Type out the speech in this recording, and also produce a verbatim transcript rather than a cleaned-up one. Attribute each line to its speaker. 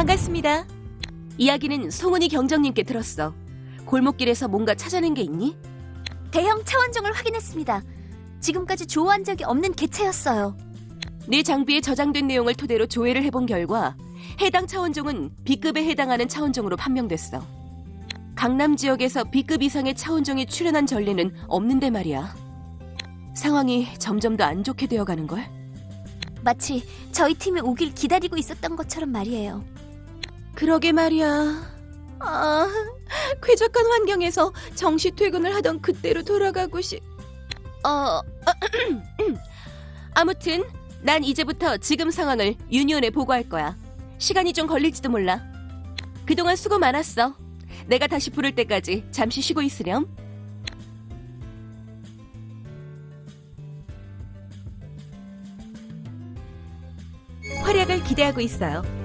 Speaker 1: 반갑습니다. 이야기는 송은이 경정님께 들었어. 골목길에서 뭔가 찾아낸 게 있니?
Speaker 2: 대형 차원종을 확인했습니다. 지금까지 조호한 적이 없는 개체였어요.
Speaker 1: 네 장비에 저장된 내용을 토대로 조회를 해본 결과 해당 차원종은 B급에 해당하는 차원종으로 판명됐어. 강남 지역에서 B급 이상의 차원종이 출현한 전례는 없는데 말이야. 상황이 점점 더 안 좋게 되어가는걸?
Speaker 2: 마치 저희 팀이 오길 기다리고 있었던 것처럼 말이에요.
Speaker 1: 그러게 말이야. 아, 쾌적한 환경에서 정시 퇴근을 하던 그때로 돌아가고 싶... 어... 아무튼 난 이제부터 지금 상황을 유니온에 보고할 거야. 시간이 좀 걸릴지도 몰라. 그동안 수고 많았어. 내가 다시 부를 때까지 잠시 쉬고 있으렴. 활약을 기대하고 있어요.